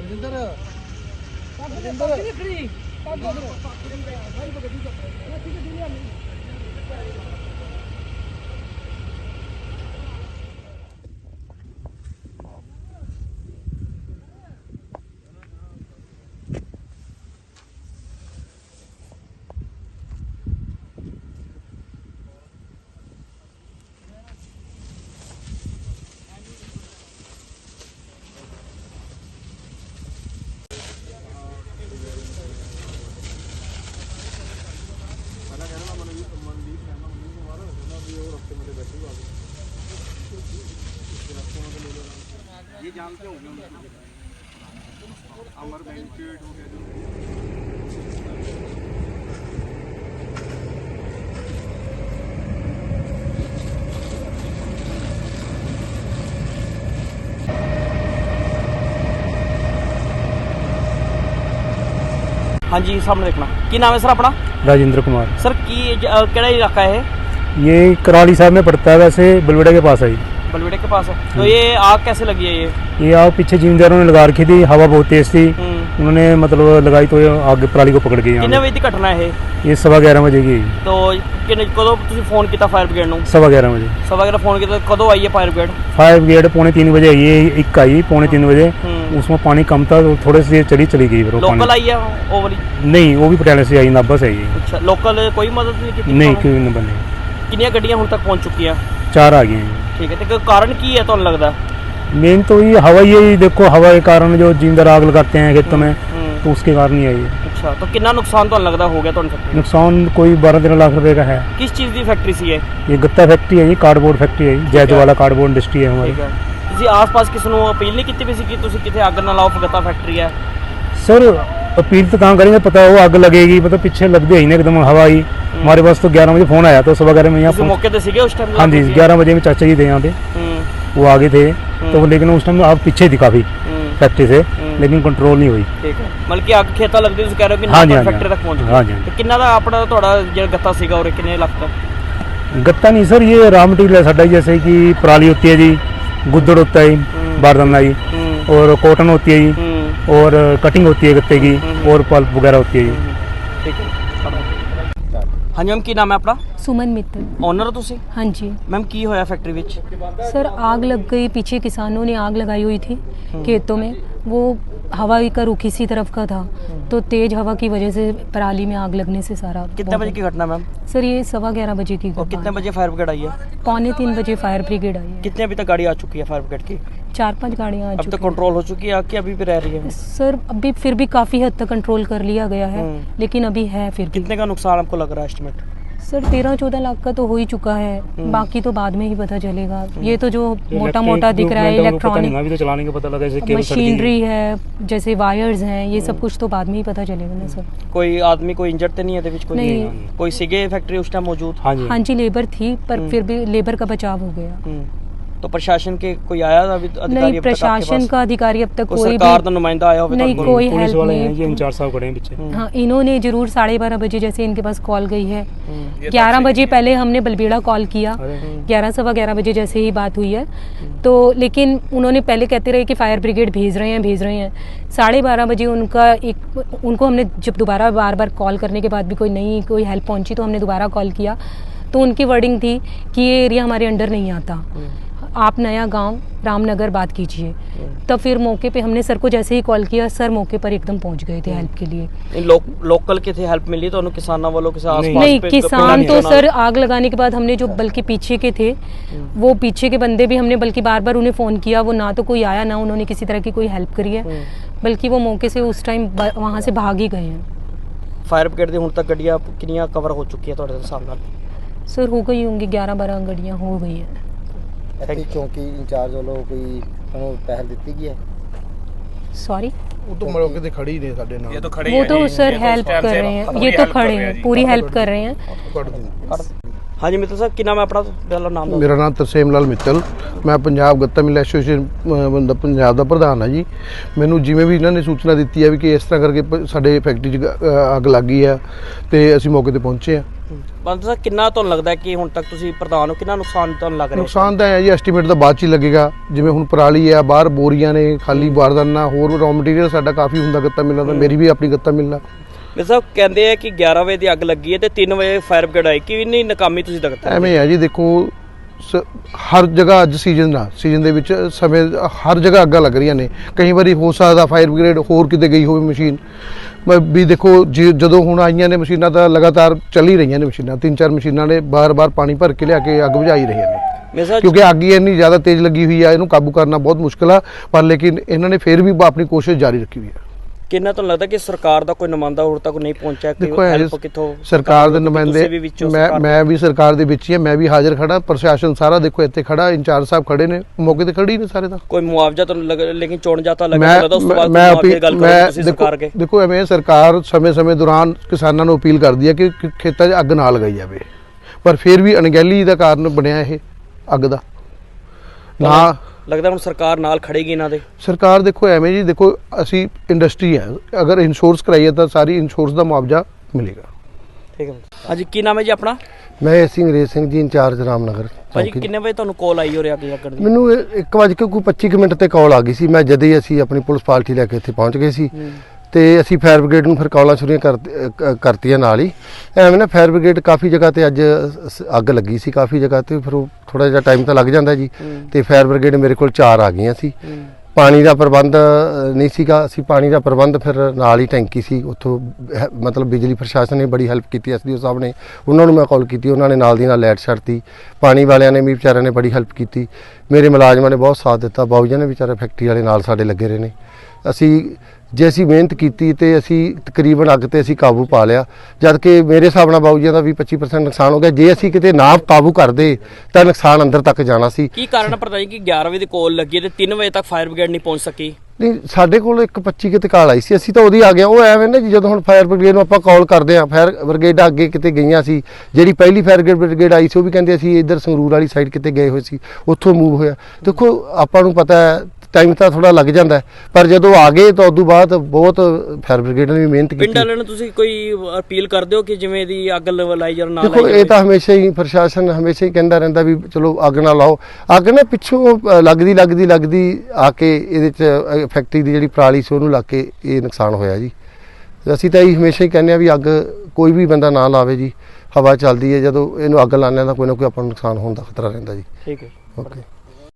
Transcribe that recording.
ये जानते होंगे अमर बैंकेट हो गया हाँ जी सामने देखना की नाम है सर अपना? राजेंद्र कुमार। सर की केड़ा इलाका है? ये कराली साहब में पड़ता है, वैसे बलवेड़ा के पास है। बलवेड़े के पास है। तो ये आग कैसे लगी है? ये आग पीछे जिम्मेदारों ने लगा रखी थी, हवा बहुत तेज थी, उन्होंने मतलब लगाई तो आग पराली को पकड़ गई। कितने बजे की घटना है ये? 11:15 बजे की। तो कदों तुसी फोन किया फायर ब्रिगेड नूं? 11:15 बजे। 11:15 फोन किया, कदों आई है फायर ब्रिगेड? फायर ब्रिगेड 2:45 बजे आई है, एक आई 2:45 बजे। उसमें पानी कम था तो थोड़े से चली गई। लोकल आई है वो वाली? नहीं, वो भी पटियाले से आई, नाभा से आई है। अच्छा, लोकल कोई मदद नहीं की? नहीं, कोई नंबर नहीं। कितनी गड्डियां हुण तक पहुंच चुकी हैं? 4 आ गई हैं। ठीक है, तो कारण की है तुहानूं लगदा? मेन तो ये हवा ही देखो, हवा के कारण जो जिम्मेदार आग लगाते हैं खेतों में, तो उसके कारण ही आई है। अच्छा, तो कितना नुकसान तो लगता हो गया तो फैक्ट्री? नुकसान कोई 12-13 लाख रुपए का है। किस चीज़ की फैक्ट्री सी है? ये गत्ता फैक्ट्री है, ये कार्डबोर्ड फैक्ट्री है, जैदवाला कार्डबोर्ड इंडस्ट्री है हमारी। ਤੁਸੀਂ ਆਸ-ਪਾਸ ਕਿਸ ਨੂੰ अपील नहीं की भी कि ਤੁਸੀਂ ਕਿਤੇ ਅੱਗ ਨਾ ਲਾਓ, ਗत्ता फैक्ट्री है? सर अपील तो कहाँ करेंगे, पता वो आग लगेगी, पता पीछे लग गई ना एकदम हवा आई। हमारे पास तो 11 बजे फोन आया तो 11:15 में यहाँ मौके पे सीगे उस टाइम? हाँ जी, 11 बजे में चाचा जी थे यहाँ पे, वो आगे थे तो, लेकिन उस टाइम आग पीछे थी काफी फैक्ट्री से, लेकिन कंट्रोल नहीं हुई। ठीक है, मतलब कि आग खेता लगदी तुसीं कह रहे हो कि हाँ जी, फैक्ट्री तक पहुंच गई? हाँ जी। तो कितना दा अपना थोड़ा जो गत्ता सीगा और कितने लाख का? गत्ता नहीं सर, ये रॉ मटेरियल है साडा, जैसे कि पराली होती है जी, गुद्दड़ होता है, बारदाना जी, और कॉटन होती है जी, और कटिंग होती है गत्ते की, और पल्प वगैरह होती है जी। ठीक है। हाँ जी मैम, की नाम है अपना? सुमन मित्तल। ओनर हो तुसी? हाँ जी मैम, की होया फैक्ट्री विच? सर आग लग गई, पीछे किसानों ने आग लगाई हुई थी खेतों में, वो हवा का रुख इसी तरफ का था, तो तेज हवा की वजह से पराली में आग लगने से सारा। कितने बजे की घटना मैम? सर ये 11:15 बजे की और कितने बजे फायर ब्रिगेड आई है? 2:45 बजे फायर ब्रिगेड आई है। कितने अभी तक गाड़ी आ चुकी है फायर ब्रिगेड की? 4-5 गाड़ियाँ आ अब चुकी तक कंट्रोल हो चुकी है आग की, अभी भी रह रही है? सर अभी फिर भी काफ़ी हद तक कंट्रोल कर लिया गया है, लेकिन अभी है फिर भी। कितने का नुकसान आपको लग रहा है एस्टिमेट? सर 13-14 लाख का तो हो ही चुका है, बाकी तो बाद में ही पता चलेगा। ये तो जो मोटा मोटा दिख रहा है, इलेक्ट्रॉनिक अभी तो चलाने का पता लगा, जैसे मशीनरी है, जैसे वायर्स हैं, ये सब कुछ तो बाद में ही पता चलेगा ना सर। कोई आदमी कोई इंजर्ड तो नहीं है कोई? नहीं। कोई सीगे फैक्ट्री उस टाइम मौजूद? हाँ जी लेबर थी, पर फिर भी लेबर का बचाव हो गया। तो प्रशासन के कोई आया अभी अधिकारी? नहीं, प्रशासन का अधिकारी अब तक कोई सरकार का नुमाइंदा आया? नहीं, कोई पुलिस हेल्प वाले हैं, नहीं। ये इंचार्ज साहब खड़े हैं पीछे। हाँ, इन्होंने जरूर 12:30 बजे जैसे इनके पास कॉल गई है, 11 बजे पहले हमने बलबीड़ा कॉल किया, 11-11:15 बजे जैसे ही बात हुई है, तो लेकिन उन्होंने पहले कहते रहे कि फायर ब्रिगेड भेज रहे हैं 12:30 बजे उनको हमने जब दोबारा बार कॉल करने के बाद भी कोई हेल्प पहुंची, तो हमने दोबारा कॉल किया, तो उनकी वर्डिंग थी कि ये एरिया हमारे अंडर नहीं आता, आप नया गांव रामनगर बात कीजिए। तब फिर मौके पे हमने सर को जैसे ही कॉल किया, सर मौके पर एकदम पहुंच गए थे हेल्प के लिए। लोकल के थे हेल्प मिली तो किसानों वालों के साथ? नहीं, किसान तो सर आग लगाने के बाद हमने जो बल्कि पीछे के थे, वो पीछे के बंदे भी हमने बल्कि बार उन्हें फ़ोन किया, वो ना तो कोई आया, ना उन्होंने किसी तरह की कोई हेल्प करी है, बल्कि वो मौके से उस टाइम वहाँ से भाग ही गए हैं। फायर ब्रिगेड दी हुण तक गड्डियां कितनियां कवर हो चुकी है तुहाडे सामने? सर हो गई होंगी 11-12 गड्डियाँ हो गई हैं। चौकी इंचार्ज वालों कोई पहल दी गई है? सॉरी, वो तो मौके पे खड़ी नहीं साडे नाल, ये तो खड़े वो तो सर हेल्प कर रहे हैं, ये तो खड़े हैं, पूरी हेल्प कर रहे हैं। हाँ जी मित्तल साहब, की नाम है अपना? पहला नाम? मेरा नाम तरसेम लाल मित्तल, मैं ਪੰਜਾਬ ਗੱਤਾ ਮਿਲ ਐਸੋਸੀਏਸ਼ਨ ਪੰਜਾਬ ਦਾ ਪ੍ਰਧਾਨ ਹਾਂ ਜੀ। ਮੈਨੂੰ ਜਿਵੇਂ ਵੀ ਇਹਨਾਂ ਨੇ ਸੂਚਨਾ ਦਿੱਤੀ ਹੈ ਵੀ ਕਿ ਇਸ ਤਰ੍ਹਾਂ ਕਰਕੇ ਸਾਡੇ ਫੈਕਟਰੀ 'ਚ ਅੱਗ ਲੱਗ ਗਈ ਹੈ, ਤੇ ਅਸੀਂ ਮੌਕੇ ਤੇ ਪਹੁੰਚੇ ਆ। ਬੰਦ ਸਾਹਿਬ ਕਿੰਨਾ ਤੁਹਾਨੂੰ ਲੱਗਦਾ ਕਿ ਹੁਣ ਤੱਕ ਤੁਸੀਂ ਪ੍ਰਧਾਨ ਹੋ, ਕਿੰਨਾ ਨੁਕਸਾਨ ਤੁਹਾਨੂੰ ਲੱਗ ਰਿਹਾ? ਨੁਕਸਾਨ ਤਾਂ ਹੈ ਜੀ, ਐਸਟੀਮੇਟ ਤਾਂ ਬਾਅਦ 'ਚ ਹੀ ਲੱਗੇਗਾ। ਜਿਵੇਂ ਹੁਣ ਪਰਾਲੀ ਆ, ਬਾਹਰ ਬੋਰੀਆਂ ਨੇ ਖਾਲੀ, ਬਾਰਦਾਨਾ, ਹੋਰ ਰॉ ਮਟੀਰੀਅਲ ਸਾਡਾ ਕਾਫੀ ਹੁੰਦਾ ਗੱਤਾ ਮਿਲਣਾ ਦਾ, ਮੇਰੀ ਵੀ ਆਪਣੀ ਗੱਤਾ ਮਿਲਣਾ। ਮੇਰੇ ਸਾਹਿਬ ਕਹਿੰਦੇ ਆ ਕਿ 11 ਵਜੇ ਦੀ ਅੱਗ ਲੱਗੀ ਹੈ ਤੇ 3 ਵਜੇ ਫਾਇਰ ਬ੍ਰਿਗੇਡ ਆਈ, ਕਿ ਇੰਨੀ ਨਾਕਾਮੀ ਤੁਸੀਂ ਦਿਖਾਉਂਦੇ? ਐਵੇਂ ਹੈ ਜੀ, ਦੇਖੋ ਹਰ ਜਗ੍ਹਾ ਅੱਜ ਸੀਜ਼ਨ ਦੇ ਵਿੱਚ ਸਮੇਂ ਹਰ ਜਗ੍ਹਾ ਅੱਗਾਂ ਲੱਗ ਰਹੀਆਂ ਨੇ। ਕਈ ਵਾਰੀ ਹੋ ਸਕਦਾ ਫਾਇਰ ਬ੍ਰਿਗੇਡ ਹੋਰ ਕਿਤੇ ਗਈ ਹੋਵੇ ਮਸ਼ੀਨ ਵੀ। ਦੇਖੋ ਜਦੋਂ ਹੁਣ ਆਈਆਂ ਨੇ ਮਸ਼ੀਨਾਂ ਤਾਂ ਲਗਾਤਾਰ ਚੱਲ ਹੀ ਰਹੀਆਂ ਨੇ ਮਸ਼ੀਨਾਂ, 3-4 ਮਸ਼ੀਨਾਂ ਨੇ ਬਾਰ-ਬਾਰ ਪਾਣੀ ਭਰ ਕੇ ਲਿਆ ਕੇ ਅੱਗ ਬੁਝਾਈ ਰਹੀਆਂ ਨੇ, ਕਿਉਂਕਿ ਅੱਗ ਹੀ ਇੰਨੀ ਜ਼ਿਆਦਾ ਤੇਜ਼ ਲੱਗੀ ਹੋਈ ਆ, ਇਹਨੂੰ ਕਾਬੂ ਕਰਨਾ ਬਹੁਤ ਮੁਸ਼ਕਿਲ ਆ। ਪਰ ਲੇਕਿਨ ਇਹਨਾਂ ਨੇ ਫਿਰ ਵੀ ਆਪਣੀ ਕੋਸ਼ਿਸ਼ ਜਾਰੀ ਰੱਖੀ ਹੋਈ ਆ। ਕਿੰਨਾ ਤੁਹਾਨੂੰ ਲੱਗਦਾ ਕਿ ਸਰਕਾਰ ਦਾ ਕੋਈ ਨੁਮਾਇੰਦਾ ਹੋਰ ਤੱਕ ਨਹੀਂ ਪਹੁੰਚਿਆ? ਦੇਖੋ ਹੈਲਪ ਕਿੱਥੋਂ ਸਰਕਾਰ ਦੇ ਨੁਮਾਇੰਦੇ, ਮੈਂ ਵੀ ਸਰਕਾਰ ਦੇ ਵਿੱਚ ਹੀ ਹਾਂ, ਮੈਂ ਵੀ ਹਾਜ਼ਰ ਖੜਾ, ਪ੍ਰਸ਼ਾਸਨ ਸਾਰਾ ਦੇਖੋ ਇੱਥੇ ਖੜਾ, ਇੰਚਾਰਜ ਸਾਹਿਬ ਖੜੇ ਨੇ, ਮੌਕੇ ਤੇ ਖੜੇ ਨੇ ਸਾਰੇ। ਤਾਂ ਕੋਈ ਮੁਆਵਜ਼ਾ ਤੁਹਾਨੂੰ ਲੇਕਿਨ ਚੋਣ ਜਾਤਾ ਲੱਗਦਾ ਉਸ ਤੋਂ ਬਾਅਦ ਦੇਖੋ ਐਵੇਂ ਸਰਕਾਰ ਸਮੇਂ-ਸਮੇਂ ਦੌਰਾਨ ਕਿਸਾਨਾਂ ਨੂੰ ਅਪੀਲ ਕਰਦੀ ਹੈ ਕਿ ਖੇਤਾਂ 'ਚ ਅੱਗ ਨਾ ਲਗਾਈ ਜਾਵੇ, ਪਰ ਫਿਰ ਵੀ ਅਣਗਹਿਲੀ ਦਾ ਕਾਰਨ ਬਣਿਆ ਇਹ ਅੱਗ ਦਾ। ਨਾ ਲੱਗਦਾ ਹੁਣ ਸਰਕਾਰ ਨਾਲ ਖੜੇਗੀ ਇਹਨਾਂ ਦੇ? ਸਰਕਾਰ ਦੇਖੋ ਐਵੇਂ ਜੀ, ਦੇਖੋ ਅਸੀਂ ਇੰਡਸਟਰੀ ਹੈ, ਅਗਰ ਇੰਸ਼ੋਰੈਂਸ ਕਰਾਈਏ ਤਾਂ ਸਾਰੀ ਇੰਸ਼ੋਰੈਂਸ ਦਾ ਮੁਆਵਜ਼ਾ ਮਿਲੇਗਾ। ਠੀਕ ਹੈ। ਹਾਂਜੀ, ਕੀ ਨਾਮ ਹੈ ਜੀ ਆਪਣਾ? ਮੈਂ ਅੰਗਰੇਜ਼ ਸਿੰਘ ਜੀ, ਇੰਚਾਰਜ ਰਾਮਨਗਰ। ਭਾਜੀ ਕਿੰਨੇ ਵਜੇ ਤੁਹਾਨੂੰ ਕਾਲ ਆਈ ਹੋ ਰਿਹਾ ਅੱਗ ਲੱਗਣ ਦੀ? ਮੈਨੂੰ 1:25 ਮਿੰਟ ਤੇ ਕਾਲ ਆ ਗਈ ਸੀ। ਮੈਂ ਜਦ ਹੀ ਅਸੀਂ ਆਪਣੀ ਪੁਲਿਸ ਪਾਰਟੀ ਲੈ ਕੇ ਇੱਥੇ ਪਹੁੰਚ ਗਏ ਸੀ ਤੇ ਅਸੀਂ ਫਾਇਰ ਬ੍ਰਿਗੇਡ ਨੂੰ ਫਿਰ ਕਾਲਾਂ ਸ਼ੁਰੂ ਕਰਤੀਆਂ ਨਾਲ ਹੀ। ਐਵੇਂ ਨਾ ਫਾਇਰ ਬ੍ਰਿਗੇਡ ਕਾਫੀ ਜਗ੍ਹਾ ਤੇ ਅੱਜ ਅੱਗ ਲੱਗੀ ਸੀ, ਕਾਫੀ ਜਗ੍ਹਾ ਤੇ, ਫਿਰ ਉਹ ਥੋੜਾ ਜਿਹਾ ਟਾਈਮ ਤਾਂ ਲੱਗ ਜਾਂਦਾ ਜੀ। ਤੇ ਫਾਇਰ ਬ੍ਰਿਗੇਡ ਮੇਰੇ ਕੋਲ 4 ਆ ਗਈਆਂ ਸੀ। ਪਾਣੀ ਦਾ ਪ੍ਰਬੰਧ ਨਹੀਂ ਸੀਗਾ, ਅਸੀਂ ਪਾਣੀ ਦਾ ਪ੍ਰਬੰਧ ਫਿਰ ਨਾਲ ਹੀ ਟੈਂਕੀ ਸੀ ਉੱਥੋਂ, ਮਤਲਬ ਬਿਜਲੀ ਪ੍ਰਸ਼ਾਸਨ ਨੇ ਬੜੀ ਹੈਲਪ ਕੀਤੀ, ਐਸਡੀਓ ਸਾਹਿਬ ਨੇ, ਉਹਨਾਂ ਨੂੰ ਮੈਂ ਕਾਲ ਕੀਤੀ, ਉਹਨਾਂ ਨੇ ਨਾਲ ਦੀ ਨਾਲ ਲਾਈਟ ਛੱਡਤੀ। ਪਾਣੀ ਵਾਲਿਆਂ ਨੇ ਵੀ ਵਿਚਾਰਿਆਂ ਨੇ ਬੜੀ ਹੈਲਪ ਕੀਤੀ, ਮੇਰੇ ਮੁਲਾਜ਼ਮਾਂ ਨੇ ਬਹੁਤ ਸਾਥ ਦਿੱਤਾ, ਬਾਊ ਜੀ ਨੇ ਵਿਚਾਰੇ ਫੈਕਟਰੀ ਵਾਲੇ ਨਾਲ ਸਾਡੇ ਲੱਗੇ ਰਹੇ ਨੇ। ਅਸੀਂ ਮਿਹਨਤ ਕੀਤੀ ਤੇ ਅਸੀਂ ਤਕਰੀਬਨ ਅੱਗ ਤੇ ਅਸੀਂ ਕਾਬੂ ਪਾ ਲਿਆ, ਜਦ ਕਿ ਮੇਰੇ ਹਿਸਾਬ ਨਾਲ ਬਾਊ ਜੀ ਦਾ ਵੀ 25% ਨੁਕਸਾਨ ਹੋ ਗਿਆ। ਜੇ ਅਸੀਂ ਕਿਤੇ ਨਾ ਕਾਬੂ ਕਰਦੇ ਤਾਂ ਨੁਕਸਾਨ ਅੰਦਰ ਤੱਕ ਜਾਣਾ ਸੀ। ਕੀ ਕਾਰਨ ਪਤਾ ਨਹੀਂ ਕਿ 11 ਵਜੇ ਦੀ ਕਾਲ ਲੱਗੀ ਤੇ 3 ਵਜੇ ਤੱਕ ਫਾਇਰ ਬ੍ਰਿਗੇਡ ਨਹੀਂ ਪਹੁੰਚ ਸਕੀ? ਨਹੀਂ, ਸਾਡੇ ਕੋਲ 1:25 ਕਿਤੇ ਕਾਲ ਆਈ ਸੀ, ਅਸੀਂ ਤਾਂ ਉਹਦੀ ਆ ਗਏ। ਉਹ ਐਵੇਂ ਨਾ ਜਦੋਂ ਹੁਣ ਫਾਇਰ ਬ੍ਰਿਗੇਡ ਨੂੰ ਆਪਾਂ ਕਾਲ ਕਰਦੇ ਆ, ਫਾਇਰ ਬ੍ਰਿਗੇਡ ਅੱਗੇ ਕਿਤੇ ਗਈਆਂ ਸੀ, ਜਿਹੜੀ ਪਹਿਲੀ ਫਾਇਰ ਬ੍ਰਿਗੇਡ ਆਈ ਸੀ ਉਹ ਵੀ ਕਹਿੰਦੇ ਅਸੀਂ ਇੱਧਰ ਸੰਗਰੂਰ ਵਾਲੀ ਸਾਈਡ ਕਿਤੇ ਗਏ ਹੋਏ ਸੀ, ਉੱਥੋਂ ਮੂਵ ਹੋਇਆ। ਦੇਖੋ ਆਪਾਂ ਨੂੰ ਪਤਾ ਹੈ ਟਾਈਮ ਤਾਂ ਥੋੜਾ ਲੱਗ ਜਾਂਦਾ, ਪਰ ਜਦੋਂ ਆ ਗਏ ਤਾਂ ਉਦੋਂ ਬਾਅਦ ਬਹੁਤ ਫਾਇਰ ਬ੍ਰਿਗੇਡ ਨੇ ਵੀ ਮਿਹਨਤ ਕੀਤੀ। ਪਿੰਡ ਵਾਲਿਆਂ ਨੂੰ ਤੁਸੀਂ ਕੋਈ ਅਪੀਲ ਕਰਦੇ ਹੋ ਕਿ ਜਿਵੇਂ ਦੀ ਅੱਗ ਲਾਈ ਜਾਂ ਨਾ ਲਾਈ? ਦੇਖੋ ਇਹ ਤਾਂ ਹਮੇਸ਼ਾ ਹੀ ਪ੍ਰਸ਼ਾਸਨ ਹਮੇਸ਼ਾ ਹੀ ਕਹਿੰਦਾ ਰਹਿੰਦਾ ਵੀ ਚਲੋ ਅੱਗ ਨਾ ਲਾਓ। ਅੱਗ ਨਾ ਪਿੱਛੋਂ ਲੱਗਦੀ ਆ ਕੇ ਇਹਦੇ 'ਚ ਫੈਕਟਰੀ ਦੀ ਜਿਹੜੀ ਪਰਾਲੀ ਸੀ ਉਹਨੂੰ ਲੱਗ ਕੇ ਇਹ ਨੁਕਸਾਨ ਹੋਇਆ ਜੀ। ਅਸੀਂ ਤਾਂ ਇਹ ਹਮੇਸ਼ਾ ਹੀ ਕਹਿੰਦੇ ਆ ਵੀ ਅੱਗ ਕੋਈ ਵੀ ਬੰਦਾ ਨਾ ਲਾਵੇ ਜੀ। ਹਵਾ ਚੱਲਦੀ ਹੈ, ਜਦੋਂ ਇਹਨੂੰ ਅੱਗ ਲਾਉਂਦੇ ਤਾਂ ਕੋਈ ਨਾ ਕੋਈ ਆਪਾਂ ਨੂੰ ਨੁਕਸਾਨ ਹੋਣ ਦਾ ਖਤਰਾ ਰਹਿੰਦਾ ਜੀ। ਠੀਕ ਹੈ, ਓਕੇ।